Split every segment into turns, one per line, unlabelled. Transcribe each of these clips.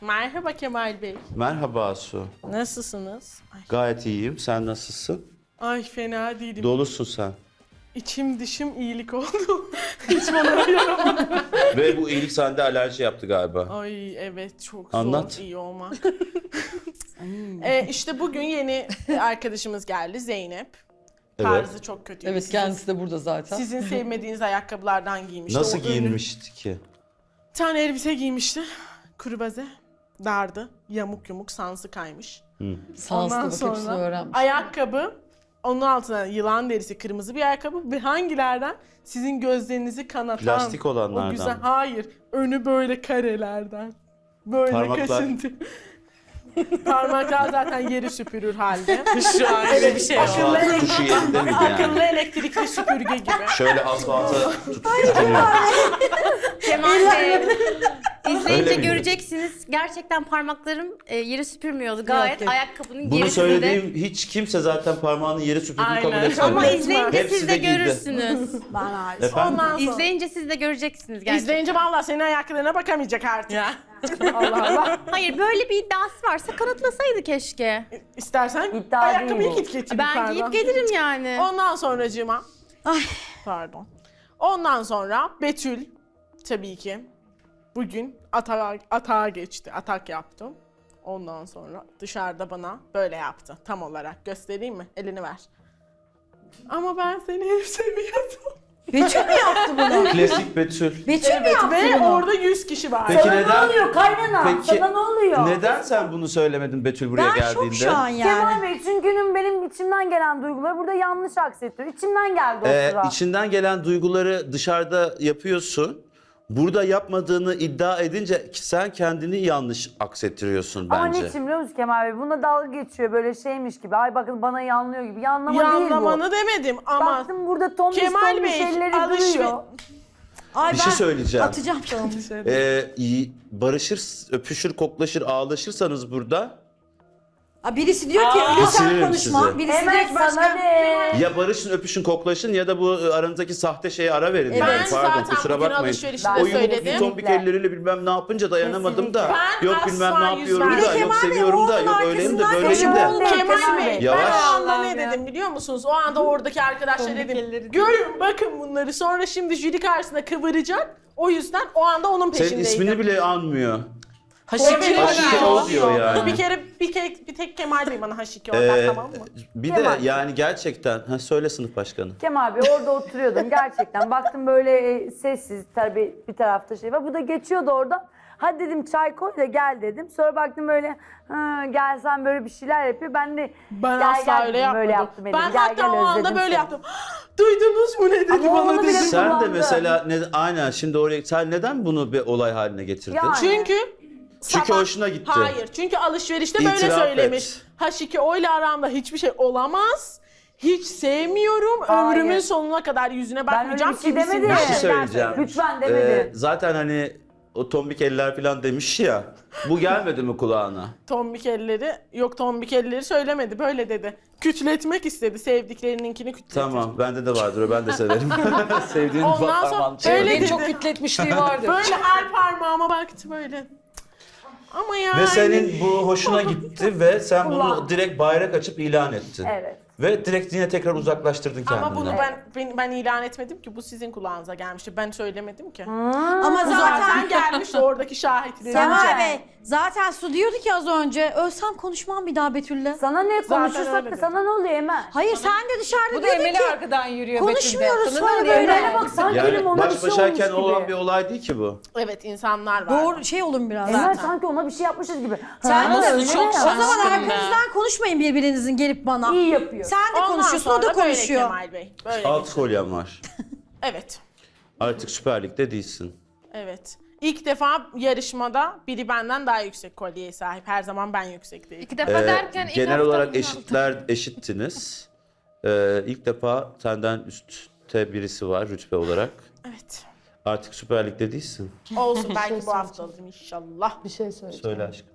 Merhaba Kemal Bey.
Merhaba Asu.
Nasılsınız?
Gayet iyiyim. Sen nasılsın?
Ay fena değilim.
Dolusun sen.
İçim dışım iyilik oldu. Hiç bana yaramadı.
Ve bu iyilik sende alerji yaptı galiba.
Ay evet çok
Anlat.
zor iyi olmak. işte bugün yeni arkadaşımız geldi Zeynep.
Evet.
Tarzı çok kötü.
Evet kendisi de burada zaten.
Sizin sevmediğiniz ayakkabılardan giymişti.
Nasıl
O
giyinmişti ki?
Bir tane elbise giymişti. Kruvaze. Dardı. Yamuk yumuk sansı kaymış.
Sanslı
Ondan
bak hepsini
sonra
öğrenmiş.
ayakkabı, onun altına yılan derisi kırmızı bir ayakkabı ve hangilerden? Sizin gözlerinizi kanatan.
Plastik olanlardan
O güzel.
mı?
Hayır. Önü böyle karelerden. Böyle
Parmaklar.
kaşıntı. Parmaklar zaten yeri süpürür halde.
Şu an öyle bir şey yok.
Asfalt tuşu yerinde miydi
Akıllı
yani?
elektrikli süpürge gibi.
Şöyle asfalta tutuyor.
Kemal Bey, izleyince
Öyle miydi?
göreceksiniz. Gerçekten parmaklarım yeri süpürmüyordu. Gayet
Yok.
ayakkabının
Bunu
gerisinde.
söylediğim hiç kimse zaten parmağını yere süpürdüğünü kabul
Aynen.
etmedi.
Ama
Evet.
izleyince
Hepsi
siz
de
de
giydi.
görürsünüz.
Efendim?
Ondan sonra.
İzleyince siz de göreceksiniz gerçekten.
İzleyince vallahi senin ayakkabılarına bakamayacak artık. Allah Allah.
Hayır, böyle bir iddiası varsa kanıtlasaydı keşke.
İstersen
İddia
ayakkabıyı
değil bu.
git getir
Ben
yukarıdan.
giyip gelirim yani.
Ondan sonracığıma. Pardon. Ondan sonra Betül tabii ki bugün atağa geçti. Atak yaptım. Ondan sonra dışarıda bana böyle yaptı. Tam olarak göstereyim mi? Elini ver. Ama ben seni hep seviyordum.
Betül mü yaptı bunu?
Klasik Betül.
Betül mü yaptı
Ve
bunu?
orada 100 kişi var.
Peki
Sana
neden?
ne oluyor kaynana?
Peki
Sana ne oluyor?
neden sen bunu söylemedin Betül buraya
Ben
geldiğinde?
şok şu an yani.
Kemal Bey çünkü benim içimden gelen duyguları burada yanlış aksettiriyor. İçimden geldi o sıra.
İçinden gelen duyguları dışarıda yapıyorsun. Burada yapmadığını iddia edince sen kendini yanlış aksettiriyorsun
Ama
bence.
niçin biliyor musun Kemal Bey? Buna dalga geçiyor böyle şeymiş gibi. Ay bakın bana yanlıyor gibi. Yanlama değil bu.
Yanlamanı demedim ama
Baktım burada tombiş
Kemal
tombiş
Bey,
elleri duruyor.
Ay
Bir
ben
şey söyleyeceğim.
atacağım tamam.
Barışır, öpüşür, koklaşır, ağlaşırsanız burada
Birisi diyor ki öyle sen
Bitiririm
konuşma.
sizi.
Birisi
Evet
direkt
sana
başka.
ne?
ya barışın, öpüşün, koklaşın ya da bu aranızdaki sahte şeye ara verin.
Evet.
Yani.
ben
Pardon
zaten
kusura
bugün
bakmayın.
alışverişte
Ben
O yumruk
söyledim.
tombik elleriyle bilmem ne yapınca dayanamadım da.
Ben
Yok bilmem
asla
ne yapıyorum
yüz
da.
vermem.
Yok
Kemal Bey,
seviyorum da.
oğlunun
Yok öyleyim de
arkasından
böyleyim
koşuyor.
de.
Kemal
Kemal
Bey,
Bey, ben
yavaş.
o anda ne dedim biliyor musunuz? O anda oradaki arkadaşlar dedim, görün bakın bunları. Sonra şimdi jüri karşısında kıvıracak. O yüzden o anda onun
Senin
peşindeydim.
ismini bile anmıyor.
Evet,
Haşike o diyor yani.
Bir tek Kemal Bey bana Haşike oradan tamam mı?
Bir de
Kemal.
yani gerçekten, söyle sınıf başkanı.
Kemal Bey orada oturuyordum gerçekten. Baktım böyle sessiz tabii bir tarafta şey var. Bu da geçiyordu oradan. Hadi dedim çay koy da gel dedim. Sonra baktım böyle gelsen böyle bir şeyler yapıyor. Ben de
Ben
gel,
asla
gel
öyle
dedim,
yapmadım.
böyle yaptım
Ben
dedim. Gel,
hatta
gel,
o anda
özledim
böyle
seni.
yaptım. Duydunuz mu ne dedi
Ama
bana
onu bile
dedim.
Sen de
kullandı.
mesela aynen şimdi oraya sen neden bunu bir olay haline getirdin?
Yani.
Çünkü
Çünkü hoşuna gitti.
Hayır. Çünkü alışverişte böyle
İtiraf
söylemiş.
et.
H2 o ile aramda hiçbir şey olamaz. Hiç sevmiyorum.
Hayır.
Ömrümün sonuna kadar yüzüne
öyle
bakmayacağım.
bir şey
gibisinden
demedim.
Bir şey
şeyler
söyleyeceğim.
söylemiş.
Lütfen demedi.
Zaten hani o tombik eller falan demiş ya. Bu gelmedi mi kulağına?
Tombik elleri, yok tombik elleri söylemedi. Böyle dedi. Kütletmek istedi. Sevdiklerininkini kütletmek.
Tamam bende de vardır o ben de severim. Sevdiğin
Ondan sonra
parmağını
öyle
çevir.
dedi.
çok kütletmişliği vardır.
Böyle her parmağıma baktı böyle. Ama yani.
Ve senin bu hoşuna gitti ve sen bunu
Kulağın.
direkt bayrak açıp ilan ettin.
Evet.
Ve direkt yine tekrar uzaklaştırdın kendinden.
Ama bunu ben ilan etmedim ki, bu sizin kulağınıza gelmişti. Ben söylemedim ki.
Ama
Bu
zaten
zaten gelmişti oradaki şahitlerin.
Kemal Bey zaten Su diyordu ki az önce ölsem konuşmam bir daha Betül'le.
Sana ne
öyle
konuşursak da
dedi.
sana ne oluyor Emel?
Hayır sen de dışarıda
Bu da
diyordun
Emel'i
ki
arkadan yürüyor
konuşmuyoruz
Betül'de.
sonra
Sana ne
böyle.
diyor?
Emel'e bak sanki benim
Yani
ona bir
baş
şey
başayken
olmuş
olan
gibi.
bir olay değil ki bu.
Evet, insanlar var.
Doğru şey olun biraz.
Emel sanki ona bir şey yapmışız gibi.
Sen
Ha,
de
öyle
çok
ya.
O zaman
şaşkın
arkanızdan konuşmayın birbirinizin gelip bana.
İyi yapıyor.
Sen de
Ondan
konuşuyorsun
sonra
o da
böyle
konuşuyor.
Kemal Bey. Böyle.
Alt kolyem var.
Evet.
Artık Süper Lig'de değilsin.
Evet. İlk defa yarışmada biri benden daha yüksek kolyeye sahip. Her zaman ben yüksekteyim.
İki defa derken ilk
Genel
hafta
olarak
mı?
eşittiniz. İlk defa senden üstte birisi var rütbe olarak.
Evet.
Artık Süper Lig'de değilsin.
Olsun, belki bu hafta alırım inşallah.
Bir şey söyleyeceğim.
Söyle aşkım.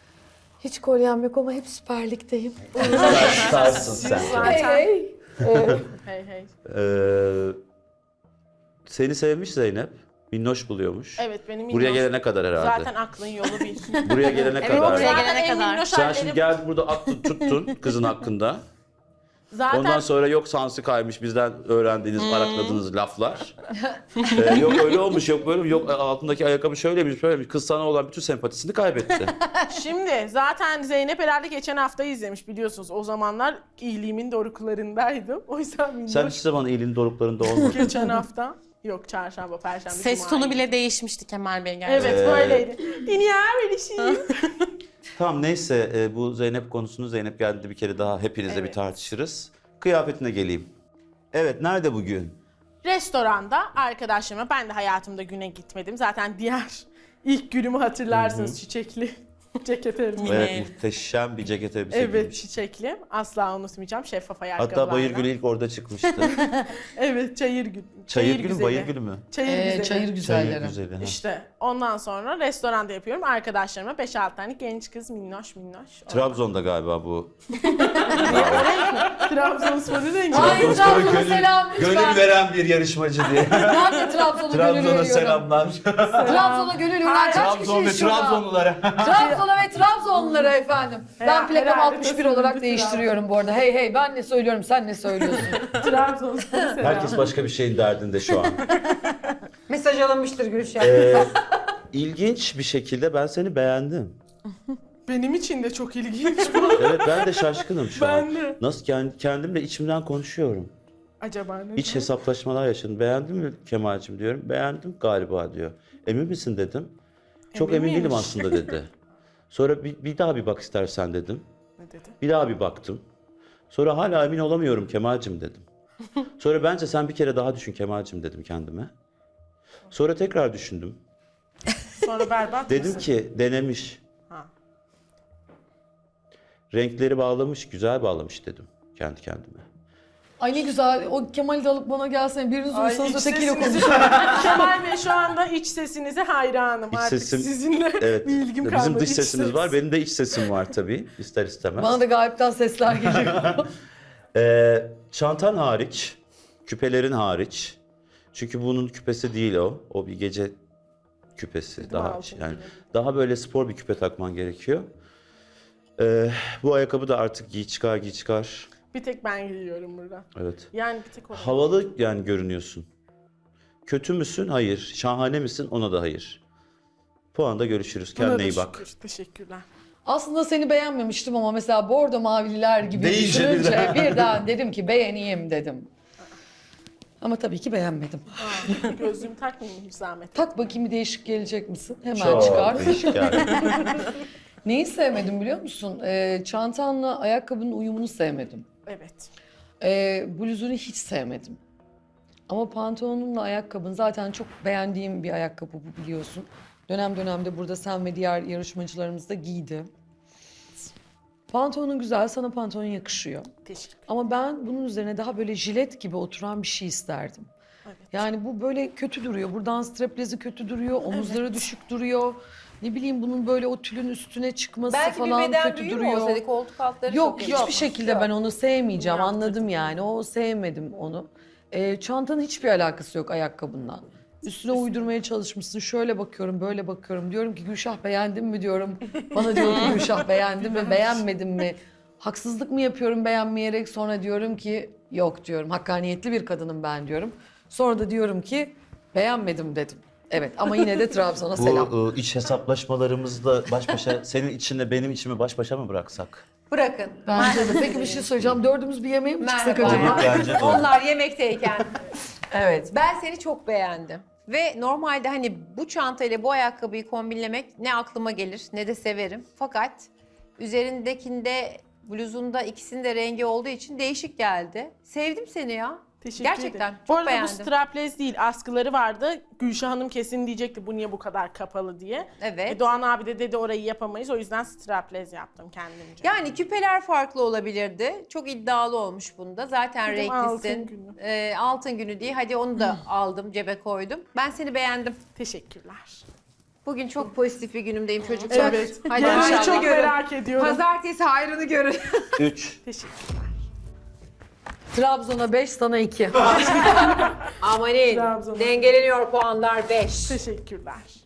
Hiç kolyem yok ama hep Süper Lig'deyim.
Starsın sen.
Zaten.
Hey.
Hey hey.
Seni sevmiş Zeynep. Minnoş buluyormuş.
Evet benim
Buraya
minnoş-
gelene kadar herhalde.
Zaten aklın yolu bir.
Buraya gelene
Evet,
kadar.
buraya
Zaten
gelene
en
kadar.
minnoş
Sen
hallerim-
şimdi geldin burada attın tuttun kızın hakkında.
Zaten
Ondan sonra yok sansı kaymış bizden öğrendiğiniz, arakladığınız laflar. Yok öyle olmuş, yok böyle, yok altındaki ayakkabı şöyleymiş, böyleymiş. Kız sana olan bütün sempatisini kaybetti.
şimdi zaten Zeynep herhalde geçen hafta izlemiş biliyorsunuz. O zamanlar iyiliğimin doruklarındaydım. O yüzden minnoş
Sen hiç zaman iyiliğin doruklarında olmadın.
geçen hafta. Yok çarşamba, perşembe,
Ses
cuma
tonu
gibi.
bile değişmişti Kemal Bey gerçekten.
Evet böyleydi. Dünya böyle şey.
Tamam neyse bu Zeynep konusunu Zeynep geldiğinde bir kere daha hepinizle bir
Evet.
tartışırız. Kıyafetine geleyim. Evet nerede bugün?
Restoranda arkadaşlarıma ben de hayatımda güne gitmedim. Zaten diğer ilk günümü hatırlarsınız çiçekli ceket elimde.
Evet muhteşem bir ceket elbise
Evet
giymiş.
çiçekli. Asla unutmayacağım. Şeffaf ayakkabılarla.
Hatta Bayır Gülü ilk orada çıkmıştı.
Evet çayır gül.
Çayır Gülü mü
güzeli.
Bayır Gülü mü?
Çayır güzeli.
Çayır güzelleri.
Çayır Güzeli. ha.
İşte ondan sonra restoranda yapıyorum. Arkadaşlarıma 5-6 tane genç kız minnoş.
Trabzon'da galiba bu.
Trabzonspor'u rengi.
Hayır Trabzon'a selam lütfen.
Gönül veren bir yarışmacı diye.
Ben de Trabzon'a gönül
Trabzon'a
veriyorum.
selamlar.
Trabzon'a gönül veren kaç
Trabzon ve
kişiyiz şurada?
Trabzonlulara.
Trabzon'a ve Trabzonlulara efendim. Ben plakam
herhalde
61
tasarım
olarak
bir
değiştiriyorum bu arada. Hey hey ben ne söylüyorum sen ne söylüyorsun?
Trabzonspor'u selam.
Herkes başka bir şeyin derdinde şu an.
Mesaj alınmıştır Gülşah.
İlginç bir şekilde ben seni beğendim.
Benim için de çok ilginç bu.
Evet ben de şaşkınım şu
Ben
an.
de.
Nasıl kendimle içimden konuşuyorum.
Acaba ne?
İç hesaplaşmalar yaşadım. Beğendin mi Kemal'cim diyorum. Beğendim galiba diyor. Emin misin dedim. Çok
Emin
emin değilim
miymiş?
aslında dedi. Sonra bir daha bir bak istersen dedim.
Ne dedi?
Bir daha bir baktım. Sonra hala emin olamıyorum Kemal'cim dedim. Sonra bence sen bir kere daha düşün Kemal'cim dedim kendime. Sonra tekrar düşündüm.
Sonra berbat
Dedim
mısın?
ki denemiş.
Ha.
Renkleri bağlamış, güzel bağlamış dedim kendi kendime.
Ay ne güzel o Kemal'i de alıp bana gelsene biriniz
Ay,
uyusanız
iç
ötekiyle
sesinizi-
konuşalım.
Kemal Bey şu anda iç sesinize hayranım.
İç
Artık
sesim-
sizinle
Evet.
bir ilgim kalmadı.
Bizim dış
İç
sesimiz
ses.
var. Benim de iç sesim var tabii. İster istemez.
Bana da gayipten sesler geliyor.
Çantan hariç, küpelerin hariç. Çünkü bunun küpesi değil o. O bir gece küpesi. Daha
altın
yani
gibi.
daha böyle spor bir küpe takman gerekiyor. Bu ayakkabı da artık giy çıkar.
Bir tek ben giyiyorum burada.
Evet.
Yani bir tek o.
Havalı yani görünüyorsun. Kötü müsün? Hayır. Şahane misin? Ona da hayır. Puanda görüşürüz.
Buna
Kendine
da
iyi bak.
şükür, teşekkürler.
Aslında seni beğenmemiştim ama mesela bordo mavililer gibi
Deyince
düşününce birden dedim ki beğeneyim dedim. Ama tabii ki beğenmedim.
Gözlüğümü takmayayım hiç zahmet.
Tak bakayım bir değişik gelecek misin? Hemen
Çok
çıkar.
değişik yani.
Neyi sevmedim biliyor musun? Çantanla ayakkabının uyumunu sevmedim.
Evet.
Bluzunu hiç sevmedim. Ama pantolonunla ayakkabın zaten çok beğendiğim bir ayakkabı bu biliyorsun. Dönem dönemde burada sen ve diğer yarışmacılarımız da giydi. Pantolonun güzel, sana pantolon yakışıyor.
Teşekkür.
Ama ben bunun üzerine daha böyle jilet gibi oturan bir şey isterdim.
Evet.
Yani bu böyle kötü duruyor. Buradan straplezi kötü duruyor, omuzları düşük duruyor. Ne bileyim bunun böyle o tülün üstüne çıkması
Belki bir
falan
beden
kötü
büyüğü mü
duruyor.
olsaydı koltuk altları
Yok
çok
hiçbir
yakışmış.
şekilde
Yok.
ben onu sevmeyeceğim
Yaptırdım.
anladım yani. O sevmedim onu. Çantanın hiçbir alakası yok ayakkabından. Üstüne uydurmaya çalışmışsın. Şöyle bakıyorum, böyle bakıyorum. Diyorum ki Gülşah beğendin mi diyorum. Bana diyor ki Gülşah beğendin mi, beğenmedin mi? Haksızlık mı yapıyorum beğenmeyerek? Sonra diyorum ki yok diyorum. Hakkaniyetli bir kadınım ben diyorum. Sonra da diyorum ki beğenmedim dedim. Evet ama yine de Trabzon'a selam.
Bu iç hesaplaşmalarımızda baş başa, senin içinle benim içimi baş başa mı bıraksak?
Bırakın.
Bence de. Peki bir şey söyleyeceğim. Dördümüz bir yemeğe mi çıksak
Merhaba.
acaba?
Bence de.
Onlar yemekteyken.
Evet.
Ben seni çok beğendim. Ve normalde hani bu çantayla bu ayakkabıyı kombinlemek ne aklıma gelir ne de severim. Fakat üzerindekinde bluzunda ikisinin de rengi olduğu için değişik geldi. Sevdim seni ya.
Teşekkür
Gerçekten
ederim.
çok
Bu arada
beğendim.
bu strapless değil, askıları vardı. Gülşah Hanım kesin diyecekti bu niye bu kadar kapalı diye.
Evet.
Doğan abi de dedi orayı yapamayız. O yüzden strapless yaptım kendimce.
Yani küpeler farklı olabilirdi. Çok iddialı olmuş bunda. Zaten
Dedim, altın
renklisin.
günü.
Altın günü diye. Hadi onu da aldım, cebe koydum. Ben seni beğendim.
Teşekkürler.
Bugün çok pozitif bir günümdeyim çocuklar.
Evet.
Hadi
Yani
inşallah
çok
görün.
merak ediyorum.
Pazartesi hayrını görün.
3.
Teşekkürler.
Trabzon'a 5, sana 2.
Amanin.
Trabzon'a.
Dengeleniyor puanlar 5.
Teşekkürler.